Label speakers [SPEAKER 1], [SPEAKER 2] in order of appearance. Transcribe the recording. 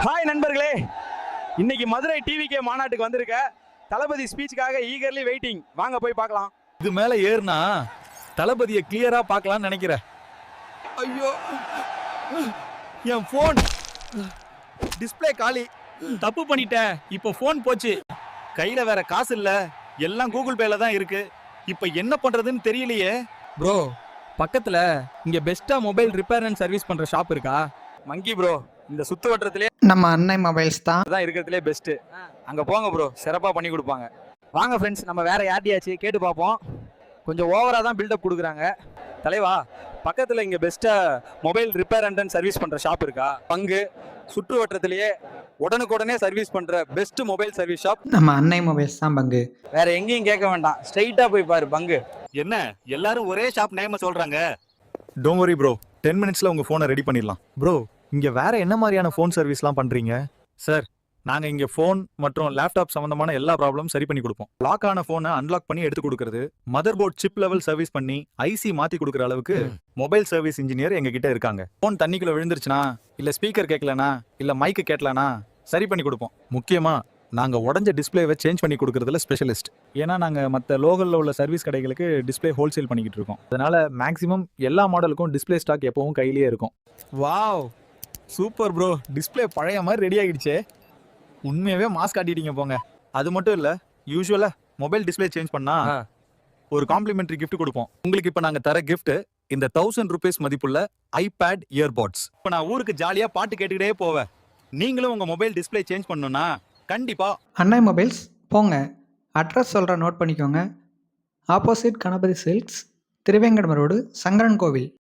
[SPEAKER 1] Hi நண்பர்களே, இன்னைக்கு Madurai TVK மாநாட்டுக்கு வந்திருக்க தளபதி ஸ்பீச்சுக்காக ஈகர்லி வெயிட்டிங். வாங்க போய் பார்க்கலாம்.
[SPEAKER 2] இது மேல ஏறுனா தளபதியை கிளியரா பார்க்கலாம்னு நினைக்கிறேன். ஐயோ, என் போன் டிஸ்ப்ளே காலி. தப்பு பண்ணிட்டேன். இப்போ போன் போச்சு. கையில வேற காசு இல்ல. எல்லாம் கூகுள் பேல தான் இருக்கு. இப்போ என்ன பண்றதுன்னு தெரியலையே.
[SPEAKER 3] ப்ரோ, பக்கத்துல இங்க பெஸ்டா மொபைல் ரிப்பேர் அண்ட் சர்வீஸ் பண்ற ஷாப் இருக்கா?
[SPEAKER 1] மங்கி ப்ரோ, இந்த சுத்து வட்டத்திலே
[SPEAKER 4] நம்ம அன்னை மொபைல்ஸ் தான்
[SPEAKER 1] இருக்கிறதுலே பெஸ்ட். அங்க போங்க ப்ரோ, சிறப்பா பண்ணி கொடுப்பாங்க. வாங்க ஃப்ரெண்ட்ஸ், நம்ம வேற யார்ட்டையாச்சு கேட்டு பார்ப்போம். கொஞ்சம் ஓவரா தான் பில்டப் கொடுக்குறாங்க. தலைவா, பக்கத்துல இங்க பெஸ்டா மொபைல் ரிப்பேர் அண்ட் சர்வீஸ் பண்ற ஷாப் இருக்கா? பங்கு சுற்று வட்டத்திலேயே உடனுக்குடனே சர்வீஸ் பண்ற பெஸ்ட் மொபைல் சர்வீஸ் ஷாப்
[SPEAKER 4] நம்ம அன்னை மொபைல்ஸ் தான் பங்கு.
[SPEAKER 1] வேற எங்கேயும் கேட்க வேண்டாம், ஸ்ட்ரைட்டா போய் பாரு பங்கு.
[SPEAKER 2] என்ன எல்லாரும் ஒரே ஷாப் நேம சொல்றாங்க? டோன்ட் வரி ப்ரோ, 10 மினிட்ஸ்ல உங்க போனை ரெடி பண்ணிடலாம். ப்ரோ, இங்க வேற என்ன மாதிரியான ஃபோன் சர்வீஸ்லாம் பண்றீங்க? சார், நாங்க இங்க ஃபோன் மற்றும் லேப்டாப் சம்பந்தமான எல்லா ப்ராப்ளமும் சரி பண்ணி கொடுப்போம். லாக் ஆன போனை அன்லாக் பண்ணி எடுத்து கொடுக்கறது, mother board chip level service பண்ணி ஐசி மாத்தி கொடுக்குற அளவுக்கு மொபைல் சர்வீஸ் இன்ஜினியர் எங்க கிட்ட இருக்காங்க. போன் தண்ணிக்குள்ள விழுந்துருச்சுனா, இல்ல ஸ்பீக்கர் கேட்கலனா, இல்ல மைக்கு கேட்கலனா சரி பண்ணி கொடுப்போம். முக்கியமா நாங்க உடஞ்ச டிஸ்பிளேவை சேஞ்ச் பண்ணி கொடுக்கறதுல ஸ்பெஷலிஸ்ட். ஏன்னா நாங்க மற்ற லோக்கல்ல உள்ள சர்வீஸ் கடைகளுக்கு டிஸ்பிளே ஹோல்சேல் பண்ணிக்கிட்டு இருக்கோம். அதனால மேக்ஸிமம் எல்லா மாடலுக்கும் டிஸ்பிளே ஸ்டாக் எப்பவும் கையிலேயே இருக்கும். வாவ், சூப்பர் ப்ரோ, டிஸ்பிளே பழைய மாதிரி ரெடி ஆகிடுச்சே. உண்மையாவே மாஸ்க் காட்டிட்டீங்க போங்க. அது மட்டும் இல்ல, யூஸ்வலா மொபைல் டிஸ்பிளே சேஞ்ச் பண்ணா ஒரு காம்ப்ளிமெண்டரி கிஃப்ட் கொடுப்போம். உங்களுக்கு இப்ப நாங்க தர கிஃப்ட் இந்த 1000 ரூபீஸ் மதிப்புள்ள ஐபேட் இயர்பாட்ஸ். இப்ப நான் ஊருக்கு ஜாலியா பாட்டு கேட்டுக்கிட்டே போவேன். நீங்களும் உங்க மொபைல் டிஸ்பிளே சேஞ்ச் பண்ணணும்னா கண்டிப்பா
[SPEAKER 4] அன்னை மொபைல்ஸ் போங்க. அட்ரஸ் சொல்கிற நோட் பண்ணிக்கோங்க. Opposite Ganapathy Silks, Thiruvenkadam road, Sankaran கோவில்.